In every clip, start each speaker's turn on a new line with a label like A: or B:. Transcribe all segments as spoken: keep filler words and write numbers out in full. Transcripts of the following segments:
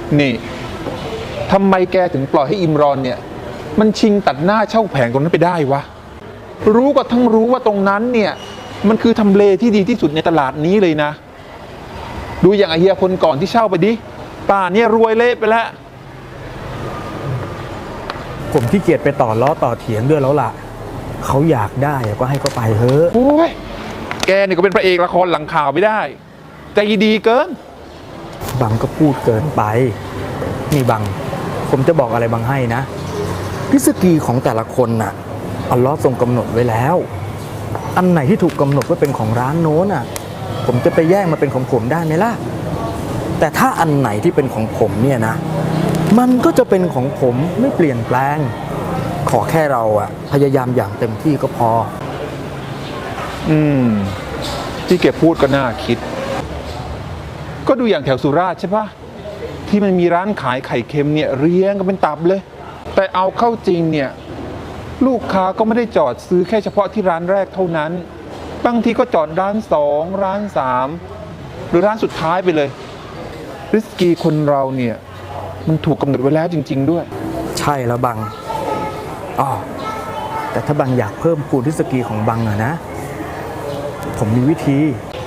A: นี่ทำไมแกถึงปล่อยให้อิมรอนเนี่ยมันชิงตัดหน้าเช่าแผงตรงนั้นไปได้วะรู้ก็ทั้งรู้ว่าตรงนั้นเนี่ยมันคือทำเลที่ดีที่สุดในตลาดนี้เลยนะดูอย่างไอเฮียคนก่อนที่เช่าไปดิป่าเนี่ยรวยเละไปแล้ว
B: ผมขี้เกียจไปต่อล้อต่อเถียงด้วยแล้วล่ะเขาอยากได้ก็ให้เขาไปเถอะ
A: โอ้ยแกนี่ก็เป็นพระเอกละครหลังข่าวไม่ได้ใจดีเกิน
B: บังก็พูดเกินไปนี่บังผมจะบอกอะไรบังให้นะริสกีของแต่ละคนน่ะอัลเลาะห์ทรงกำหนดไว้แล้วอันไหนที่ถูกกำหนดว่าเป็นของร้านโน้นน่ะผมจะไปแย่งมาเป็นของผมได้ไหมล่ะแต่ถ้าอันไหนที่เป็นของผมเนี่ยนะมันก็จะเป็นของผมไม่เปลี่ยนแปลงขอแค่เราอะพยายามอย่างเต็มที่ก็พอ
A: อืมที่แกพูดก็น่าคิดก็ดูอย่างแถวสุราษฎร์ใช่ปะที่มันมีร้านขายไข่เค็มเนี่ยเรียงกันเป็นตับเลยแต่เอาเข้าจริงเนี่ยลูกค้าก็ไม่ได้จอดซื้อแค่เฉพาะที่ร้านแรกเท่านั้นบางทีก็จอดร้านสองร้านสามหรือร้านสุดท้ายไปเลยริสกีคนเราเนี่ยมันถูกกำหนดไว้แล้วจริงๆด้วย
B: ใช่แล้วบังอ๋อแต่ถ้าบังอยากเพิ่มพูนริสกีของบังอะนะผมมีวิธี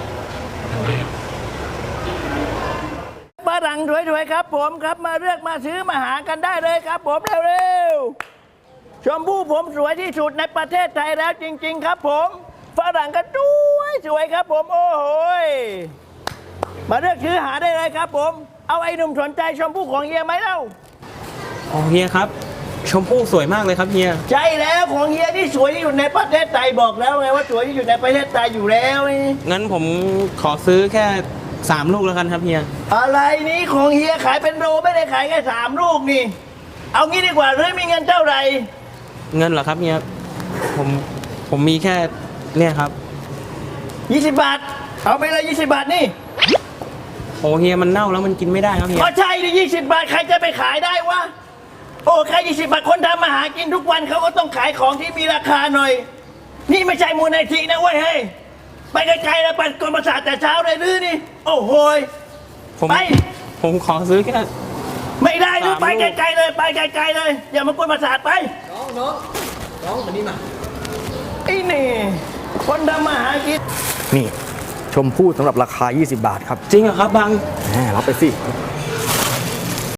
C: ฝรั่งสวยๆครับผมครับมาเลือกมาซื้อมาหากันได้เลยครับผมเร็วๆชมพู่ผมสวยที่สุดในประเทศไทยแล้วจริงๆครับผมฝรั่งก็สวยสวยครับผมโอ้โหมาเลือกซื้อหาได้เลยครับผมเอาไอ้หนุ่มสนใจชมพู่ของเฮียไหมเล่า
D: อ๋อเฮียครับชมพู่สวยมากเลยครับเฮีย
C: ใช่แล้วของเฮียที่สวยที่สุดในประเทศไทยบอกแล้วไงว่าสวยที่สุดในประเทศไทยอยู่แล้ว
D: งั้นผมขอซื้อแค่สามลูกแล้วกันครับเฮีย
C: อะไรนี้ของเฮียขายเป็นโลไม่ได้ขายแค่สามลูกนี่เอางี้ดีกว่าเรื่องมีเงินเท่าไหร่
D: เงินเหรอครับเฮียผมผมมีแค่เนี่ยครับ
C: ยี่สิบบาทเอาไปเลยยี่สิบบาทนี่
D: โอ้เฮียมันเน่าแล้วมันกินไม่ได้ครับเฮีย
C: ก็ใช่ดิยี่สิบบาทใครจะไปขายได้วะโอ้ใครยี่สิบบาทคนทำมาหากินทุกวันเขาก็ต้องขายของที่มีราคาหน่อยนี่ไม่ใช่มูลนิธินะเว้ยเฮ้ยไปไกลๆแล้วปั่นกลประสาทแต่เช้าเลยหรือนี่โอ้โห
D: ผมไปผมขอซื้อแค่
C: ไม่ได้หรือไปไกลๆเลยไปไกลๆเลยอย่ามากวนประสาทไป
D: น้องน้องน้องมานี่มา
C: ไอ้นี่คนทำมาหากิน
B: นี่ชมพู่สำหรับราคายี่สิบบาทครับ
D: จริงเหรอครับบัง
B: แหมรับไปสิ